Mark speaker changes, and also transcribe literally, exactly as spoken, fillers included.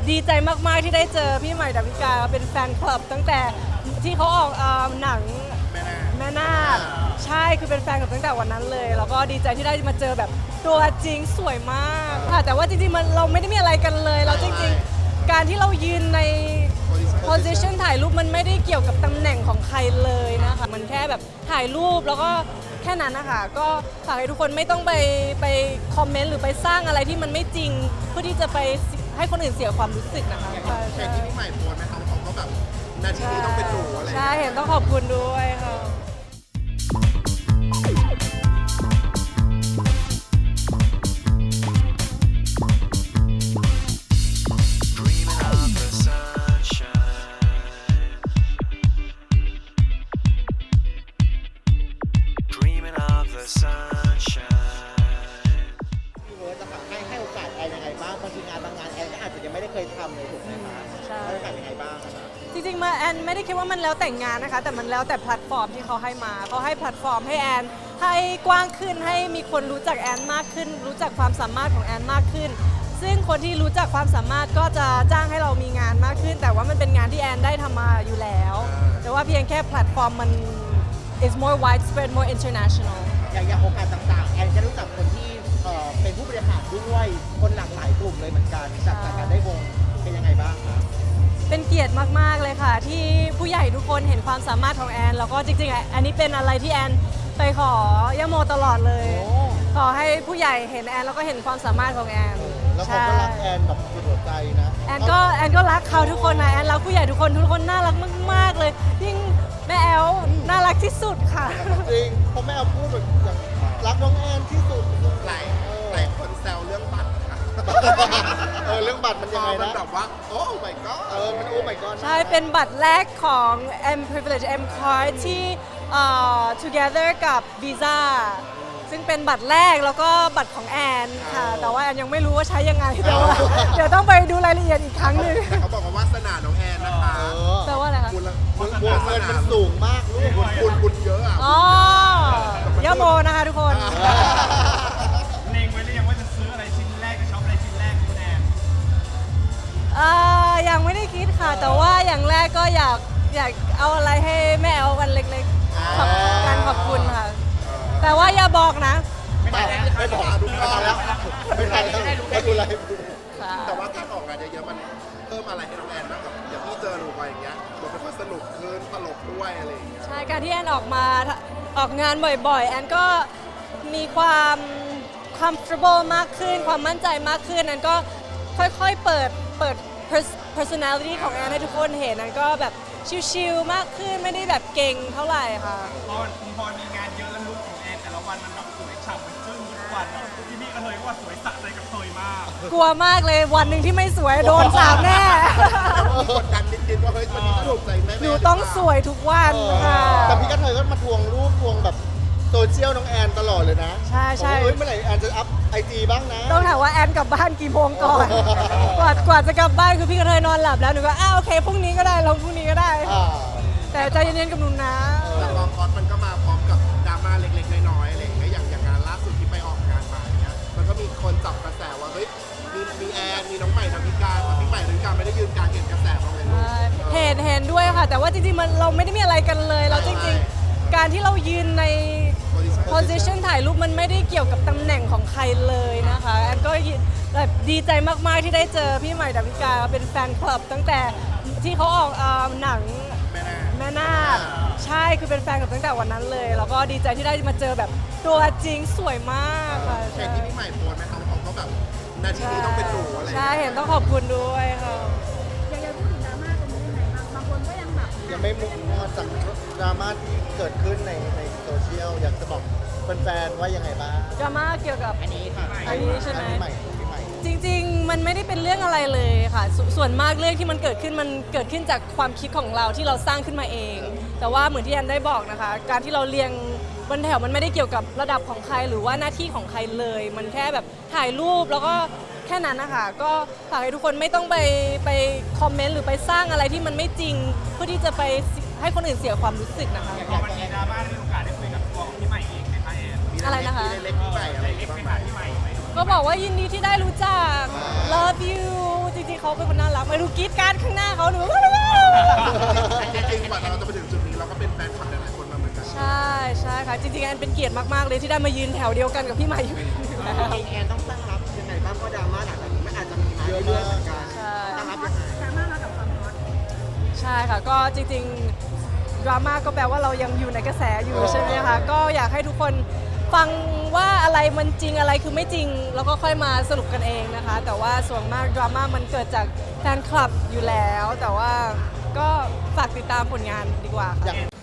Speaker 1: ดีใจมากๆที่ได้เจอพี่ใหม่ดาวิกาเป็นแฟนคลับตั้งแต่ที่เขาออกเอ่อหนังแม่นาคใช่คือเป็นแฟนคลับตั้งแต่วันนั้นเลยแล้วก็ดีใจที่ได้มาเจอแบบตัวจริงสวยมากค่ะแต่ว่าจริงๆมันเราไม่ได้มีอะไรกันเลยเราจริงๆการที่เรายืนใน position ถ่ายรูปมันไม่ได้เกี่ยวกับตำแหน่งของใครเลยนะคะมันแค่แบบถ่ายรูปแล้วก็แค่นั้นนะคะก็ฝากให้ทุกคนไม่ต้องไปไปคอมเมนต์หรือไปสร้างอะไรที่มันไม่จริงเพื่อที่จะไปให้คนอื่นเสียความรู้สึกนะคะใช่ใช่
Speaker 2: ที่พี่ใหม่โพสต์ไหมคะเขาก็แบบนาทีนี้ต้องเป็นหนูอะไร
Speaker 1: ใช่เห็นต้องขอบคุณด้วยค่ะ
Speaker 3: Dreaming of the sunshine. Dreaming of the sunshine.
Speaker 4: พี่เวิร์ดจะให้ให้โอกาสแอนยังไงบ้างบางทีงานบางงานแอนก็อาจจะยังไม่ได้เคยทำเลยถูกไหมคะ
Speaker 1: ใช่
Speaker 4: ให้โอกาสยังไงบ้างคะ
Speaker 1: จริงๆมาแอนไม่ได้คิดว่ามันแล้วแต่งงานนะคะแต่มันแล้วแต่แพลตฟอร์มที่เขาให้มาเขาให้แพลตฟอร์มให้แอนให้กว้างขึ้นให้มีคนรู้จักแอนมากขึ้น รู้จักความสามารถของแอนมากขึ้น ซึ่งคนที่รู้จักความสามารถก็จะจ้างให้เรามีงานมากขึ้น แต่ว่ามันเป็นงานที่แอนได้ทำมาอยู่แล้ว แต่ว่าเพียงแค่แพลตฟอร์มมัน is more widespread more international
Speaker 4: อย่างอย่างโอกาสต่างๆแอนจะรู้จักคนที่เอ่อเป็นผู้บริหารด้วยคนหลากหลายกลุ่มเลยเหมือนกันจากจากการได้วงเป็นยังไงบ้างคะ
Speaker 1: เป็นเกียรติมากๆเลยค่ะ ที่ผู้ใหญ่ทุกคนเห็นความสามารถของแอนแล้วก็จริงๆอ่ะอันนี้เป็นอะไรที่แอนไปขอย่าโมตลอดเลย
Speaker 4: โอ้
Speaker 1: ขอให้ผู้ใหญ่เห็นแอนแล้วก็เห็นความสามารถของแอน
Speaker 4: แล้วเขาก็รักแอนแบบสุดหัวใจนะ
Speaker 1: แอนก็แอนก็รักเขาทุกคนนะแอนรักผู้ใหญ่ทุกคนทุกคนน่ารักมากๆเลยยิ่งแม่แอลน่ารักที่สุดค่ะ
Speaker 4: จริงเพราะแม่เอาพูดแบบอย่างรักน้องแอนที่สุด
Speaker 2: หลายหลายคนแซวเรื่องบัตรค่ะ
Speaker 4: เออเรื่องบัตรมัน
Speaker 2: พ
Speaker 4: ยัง
Speaker 2: อ
Speaker 4: ไง
Speaker 2: มัน
Speaker 4: นะ
Speaker 2: แบบว่า โอ้ my god
Speaker 4: เออมันโอ้ my god
Speaker 1: ใช่ เป็นบัตรแรกของ M Privilege M Card ที่เอ่อ together กับ Visa ซึ่งเป็นบัตรแรกแล้วก็บัตรของแอนค่ะ แต่ว่าแอนยังไม่รู้ว่าใช้ยังไงแต่ว่าเดี๋ยวต้องไปดูรายละเอียดอีกครั้งหนึ่ง
Speaker 2: แต่เขาบอกว่าวาสนาน้องแอนนะคะ
Speaker 4: เออ
Speaker 1: แปลว่าอะไรคะ
Speaker 2: บุญละ
Speaker 4: บุญบุญเงินมันสูงมากลูก
Speaker 2: บุญบุญบุญเยอะอ่ะ
Speaker 1: อ๋อย่าโมนะคะทุกคน
Speaker 5: เล็งไว้หรือยังว่าจะซื้ออะไรชิ้นแรกจะช็อปอะไรชิ้นแรกคุณแอน
Speaker 1: เอ่อยังไม่ได้คิดค่ะ แต่ว่าอย่างแรกก็อยากอยากเอาอะไรให้แม่เอาวันเล็กๆขอบการขอบคุณค่ะ แต่ว่าอย่าบอกนะ
Speaker 4: ไม่ได้แล้วไม่บอกดูมาแล้วไม่ทันแล้วไม่ดูอะไร
Speaker 1: ค่ะ
Speaker 2: แต่ว่าการออกงานเยอะๆมันเพิ่มอะไรให้น้องแอนบ้างกับอย่างที่เจอหนูไปอย่างเงี้ยมันเป็นคนสนุกขึ้นตลกด้วยอะไรอย่างเงี้ย
Speaker 1: ใช่การที่แอนออกมาออกงานบ่อยๆ แอนก็มีความ comfortable มากขึ้น ความมั่นใจมากขึ้นแอนก็ค่อยๆเปิดเปิด personality ของแอนให้ทุกคนเห็นแอนก็แบบชิลๆมากขึ้นไม่ได้แบบเก่งเท่าไหร่ค่ะ
Speaker 5: พอพอมีงานเยอะแล้วลุคของแอนแต่ละวันมันแบบสวยฉ่ำมันจึ้งทุกวันที่นี่ก็เลยว่าสวยสะใจกับเธยมาก
Speaker 1: กลัวมากเลยวันหนึ่งที่ไม่สวยโดนสาบแน่
Speaker 2: มีกดดันนิดๆว่าเฮ้ยวันนี้จะถูกใจแม่ๆ
Speaker 1: หนูต้องสวยทุกวันค่ะ
Speaker 4: แต่พี่กระเทยก็มาทวงรูปทวงแบบโซเชียลน้องแอนตลอดเลยนะ
Speaker 1: ใช่ใช่
Speaker 4: บอกว่าเฮ้ยเมื่อไหร่แอนจะอัพไอจีบ้างนะ
Speaker 1: ต้องถามว่าแอนกลับบ้านกี่โมงก่อน กว่ากว่าจะกลับบ้านคือพี่กระเทยนอนหลับแล้วหนูก็อ้าวโอเคพรุ่งนี้ก็ได้ลงพรุ่งนี้ก็ได้
Speaker 4: อ่า
Speaker 1: แต่ใจเย็นๆกับหนูนะ
Speaker 2: แต่กองคอสมันก็มาพร้อมกับดราม่าเล็กๆน้อยๆอะไรอย่างเงี้ยอย่างอย่างงานล่าสุดที่ไปออกงานมาอย่างเงี้ยมันก็มีคนจับกระแสว่าเฮ้ยมีมีแอนมีน้องใหม่ดาวิกาแต่พี่ใหม่ดาวิกาไม่ได้ยืนกลางเห็นกระแสบ้างเลยลูก
Speaker 1: เห็นเห็นด้วยค่ะ แต่ว่าจริงๆมันเราไม่ได้มีอะไรกันเลยเราจริงๆ การที่เรายืนใน position ถ่ายรูปมันไม่ได้เกี่ยวกับตำแหน่งของใครเลยนะคะแอนก็แบบดีใจมากๆที่ได้เจอพี่ใหม่ดาวิกาเป็นแฟนคลับตั้งแต่ที่เขาออกเอ่อหนัง
Speaker 2: แม่นาค
Speaker 1: แม่นาคใช่คือเป็นแฟนคลับตั้งแต่วันนั้นเลย แล้วก็ดีใจที่ได้มาเจอแบบตัวจริงสวยมากค่ะ
Speaker 2: เห็
Speaker 1: ใช่
Speaker 2: นที่พี่ใหม่โพสต์ไหมเขาเขาก็แบบนาทีนี้ต้องเป็นหนูอะไรอย่าง
Speaker 1: ใช่
Speaker 2: เงี้ย
Speaker 1: เห็นต้องขอบคุณด้วยค่ะ
Speaker 6: อยากจะพูดถึงดราม่าตรงนี้ยังไงบ้างบางคนก็ยังแบบ
Speaker 4: ยังไม่มุกมอดจากดราม่าที่เกิดขึ้นในในโซเชียลอยากจะบอกแฟนๆว่ายังไงบ้าง
Speaker 1: ดราม่าเกี่ยวกับ
Speaker 4: อันนี้ค่ะ
Speaker 1: อันนี้ใช่ไหม
Speaker 4: อันนี้ใหม่พี่ใหม่
Speaker 1: จริงๆ มันไม่ได้เป็นเรื่องอะไรเลยค่ะสส่วนมากเรื่องที่มันเกิดขึ้นมันเกิดขึ้นจากความคิดของเราที่เราสร้างขึ้นมาเอง แต่ว่าเหมือนที่แอนได้บอกนะคะ การที่เราเรียงบนแถวมันไม่ได้เกี่ยวกับระดับของใครหรือว่าหน้าที่ของใครเลย มันแค่แบบถ่ายรูปแล้วก็แค่นั้นนะคะก็ฝากให้ทุกคนไม่ต้องไปไปคอมเมนต์หรือไปสร้างอะไรที่มันไม่จริง เพื่อที่จะไปให้คนอื่นเสียความรู้สึกนะคะ
Speaker 5: พอมันมีดราม่าได้มีโอกาสได้คุยกับตัวของพี่ใหม่เองไหมคะแอน
Speaker 2: มี
Speaker 1: อะไรนะคะ
Speaker 2: มีเล็กๆพี่ใหม่อะไร
Speaker 5: เล็ก
Speaker 2: บ้าง
Speaker 5: ไป
Speaker 2: ไหม
Speaker 5: หาพี่ใหม่ไหม
Speaker 1: ก็บอกว่ายินดีที่ได้รู้จัก love you จริงๆเขาเป็นคนน่ารักไม่รู้กรี๊ดกรารข้างหน้าเขาหนู
Speaker 2: จริงๆกว่าเราจะไปถึงจุดนี้เราก็เป็นแฟนคลับหลายๆคนมาเหมือนกัน
Speaker 1: ใช่ใช่ค่ะจริงๆแอนเป็นเกียรติมากๆเลยที่ได้มายืนแถวเดียวกันกับพี่ใหม่อยู่แล้ว
Speaker 4: จริงๆแอนต้องตั้งรับยังไงบ้างเพราะดราม่าหลังจากนี้มันอาจจะมีมาเรื่อยๆเหมือนกัน
Speaker 1: ใช่
Speaker 4: ตั้งรับยังไง
Speaker 6: ดราม่ามากับความฮอต
Speaker 1: ใช่ค่ะก็จริงๆดราม่าก็แปลว่าเรายังอยู่ในกระแสอยู่ใช่ไหมคะก็อยากให้ทุกคนฟังว่าอะไรมันจริงอะไรคือไม่จริง แล้วก็ค่อยมาสรุปกันเองนะคะ แต่ว่าส่วนมากดราม่ามันเกิดจากแฟนคลับอยู่แล้ว แต่ว่าก็ฝากติดตามผลงานดีกว่าค่ะ
Speaker 4: อย่าง